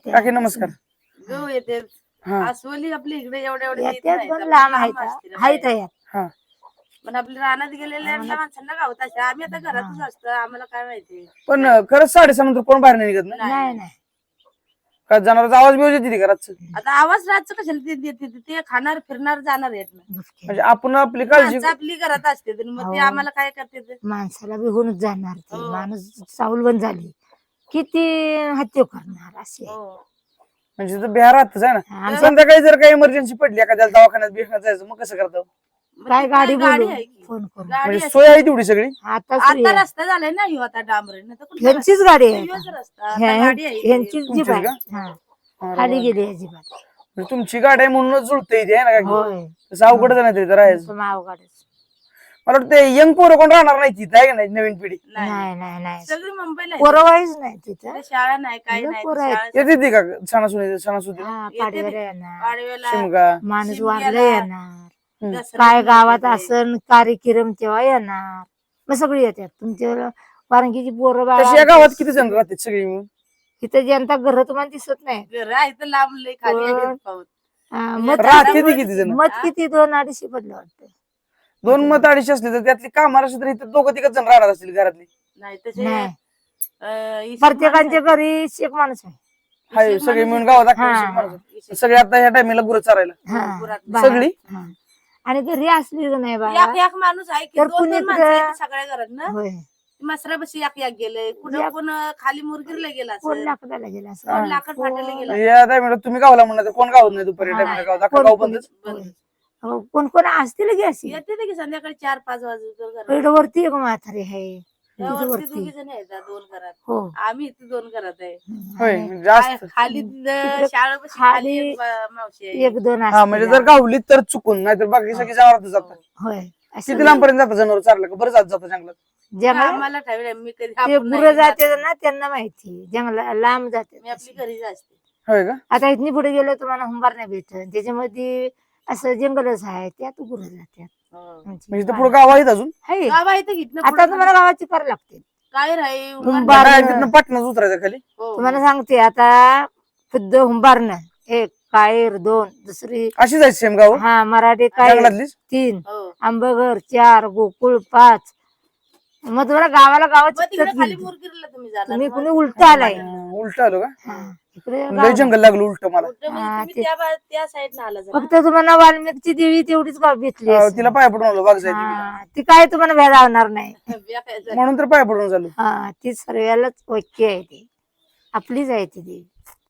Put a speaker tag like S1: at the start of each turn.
S1: काकी नमस्कार.
S2: गहू येते
S1: हा
S2: अस्वली आपली इकडे एवढ्या
S3: येत्यात पण लांब आहेत
S1: हा
S2: पण आपल्या रानात गेलेल्या माणसांना गावत असते. आम्ही आता घरातच असतो, आम्हाला काय माहिती.
S1: पण खरंच 6:30 नंतर कोण बाहेर नाही निघत ना?
S3: नाही नाही
S1: का जनावरांचा आवाज बिवाज येते घरात?
S2: आता आवाज रातचं कशाला देते? ते खाणार फिरणार जाणार आहेत ना.
S1: म्हणजे आपण आपली काळजी
S2: माणसं आपली घरात असते तर मग ते आम्हाला काय करते ते?
S3: माणसाला बी होऊनच जाणार ते
S2: हो.
S3: माणूस सावलबंद झाली किती हत्या करणार असे
S2: हो.
S1: म्हणजे तिथं बिहार राहतच आहे ना.
S3: आमच्या
S1: संध्याकाळी जर काही इमर्जन्सी पडली एखाद्याला दवाखान्यात बिहार जायचं मग कसं करतो?
S2: मग
S3: काय
S2: तिथं
S3: गाडी
S2: गाडी
S3: बोलू
S2: आहे की?
S3: फोन करून
S2: गाडी
S1: म्हणजे
S2: असते.
S1: सोय आहे तेवढी सगळी?
S3: आता सोयी
S2: आता
S3: आहे.
S2: रस्ता झालाय ना ह्यो आता डांबरे ना, तर कुठला
S3: ह्यांचीच गाडी आहे
S2: ह्योच
S3: आता.
S2: रस्ता. आता गाडी आहे इथे.
S3: ह्यांचीच जीप
S1: तुमचीच
S3: आहे
S1: का?
S3: हा.
S1: अरे
S3: खाली
S1: वा.
S3: गेली अजिबात
S1: म्हणजे तुमची गाडी आहे म्हणूनच जुळते इथे आहे ना काकी?
S3: होय
S1: तसं अवघडच नाही तिथं राहायचं.
S3: तुमचं मावगाडच
S1: मला वाटतं यंग पोरं कोण राहणार नाही तिथं आहे का नाही नवीन पिढी?
S2: नाही
S3: नाही नाही नाही
S2: सगळी मुंबईला आहे.
S3: पोरवाईच नाही तिथं
S2: तिथे शाळा नाही काही
S3: लय
S2: नाही.
S3: पोरं
S2: ती
S3: आहेत.
S2: शाळा
S1: येते ती का सणासुदी
S3: हा
S2: येते
S3: पाडव्याला
S2: ते.
S3: येणार
S2: पाडव्याला
S1: शिमगा
S3: माणूस
S2: शिमग्याला,
S3: वारला येणार
S2: दसऱ्याला
S3: काय गावात
S2: येते.
S3: असन कार्यक्रम तेव्हा येणार मग सगळी येतात तुमच्या वारंगीची पोरं
S1: तशी या गावात किती जण राहतात सगळी मिळून?
S3: इथं जनता घर तुम्हाला दिसत नाही
S2: घर आहे तर लांब लय खाली आहे
S3: पण-
S2: पाऊस.
S3: मत
S1: राहते ती किती जण?
S3: मत किती 2-250 पडलं वाटतं
S1: 2 मत 250 असले तर त्यातली कामाला असली तर इथं 2-3 जण राहणार असतील घरातली.
S2: नाही तसे
S3: नाही
S2: इशेक
S3: प्रत्येकांच्या
S2: माणूस
S3: घरी एक माणूस आहे
S1: हाय
S2: इशेक
S1: सगळे
S2: माणूस
S1: मिळून
S2: आहे.
S1: गावात अख्खे
S3: हा.
S1: विषय माणूस आहेत.
S2: इशेक.
S1: सगळे आता ह्या टायमिंगला गुरं चारायला
S3: हा,
S2: गुरात
S3: बाहेर.
S1: सगळी?
S3: हा. आणि घरी असली का नाही बाबा
S2: एक माणूस आहे की
S3: तर
S2: 2-2
S3: कुणी
S2: माणसं
S3: कुठं-
S2: आहेत सगळ्या घरात ना.
S3: होय
S2: मसरापाशी एक गेले कुठं
S3: एक-
S2: कोण खाली मुरगीरला गेला
S3: कोण
S2: असेल,
S3: लाकडाला गेला असं
S2: कोण लाकड फाटायला गेला
S1: या टायमिंगला तुम्ही गावाला म्हणणार कोण गावात नाही दुपारी
S3: हा.
S1: टायमिंगला गावात अख्खा
S3: कोण-
S1: गाव
S3: कोणी-
S1: बंदच.
S2: बंद.
S3: हो, कोण कोण असतील की अशी
S2: येते ते की संध्याकाळी 4-5 वाजता
S3: इकडं वरती एक म्हातारी आहे तिथं
S2: वरती
S3: वरती
S2: 2 जण आहेत 2 घरात.
S3: हो
S2: आम्ही इथे 2 घरात आहे.
S1: होय
S3: आणि
S1: जास्त.
S2: खाली
S3: तिकडे
S2: शाळेपाशी
S3: खाली
S2: खाली एक मावशी आहे.
S3: 1-2
S1: हा म्हणजे जर गावली तर चुकून नाहीतर बाकी सगळी जनावर जातात.
S3: होय असं
S1: किती लांब पर्यंत जातात जनावर चारलं का बरं जात जंगलात?
S3: जंगल
S2: आम्हाला ठेवलं मी कधी
S3: ते
S2: आपण
S3: गुरं
S2: नाही
S3: जाते
S2: जात.
S3: ना त्यांना माहिती जंगला लांब
S2: मी
S3: जाते
S2: आपली घरीच असते.
S1: होय का?
S3: आता इथनी पुढे गेलो तुम्हाला हुंबार नाही भेटत त्याच्यामध्ये असं जंगलच आहे त्यात गुरं जातात
S1: म्हणजे इथं पुढे गाव आहेत अजून?
S3: आहे.
S2: गाव आहे तर इथनं
S3: आता
S2: पुढं
S3: तुम्हाला गावाची करावं लागते
S2: काय राही
S3: हुंबार
S1: काय तिथनं पाटणच उतरायचं खाली?
S3: तुम्हाला सांगते आता खुद्द हुंबारनं 1 कायर 2 दुसरी
S1: अशी जायची सेम गाव
S3: हा मराठी कायर
S1: जंगलातलीच?
S3: 3 आंबघर 4 गोकुळ 5 मग तुम्हाला गावाला गावाची
S2: तिकडे खाली
S3: तुम्ही
S2: मुरगीरला तुम्ही जाणार
S3: कुणी उलट आलाय
S1: उलट आलो का?
S3: हा, इकडे
S1: लय
S3: गाव
S1: जंगल लागलं उलट मला.
S2: कुठं म्हणजे
S3: हा,
S2: तुम्ही त्या साईडनं आला जरा.
S3: फक्त तुम्हाला वाल्मिकची देवी तेवढीच गाव भेटली असेल.
S1: तिला पाया पडून आलो बाग जायची
S3: हा, ती काय तुम्हाला भेदावणार नाही
S2: बिया खायचं.
S1: म्हणून तर पाया पडून झालो.
S3: हा ती सर्वालाच ओके आहे ती आपलीच आहे ती देवी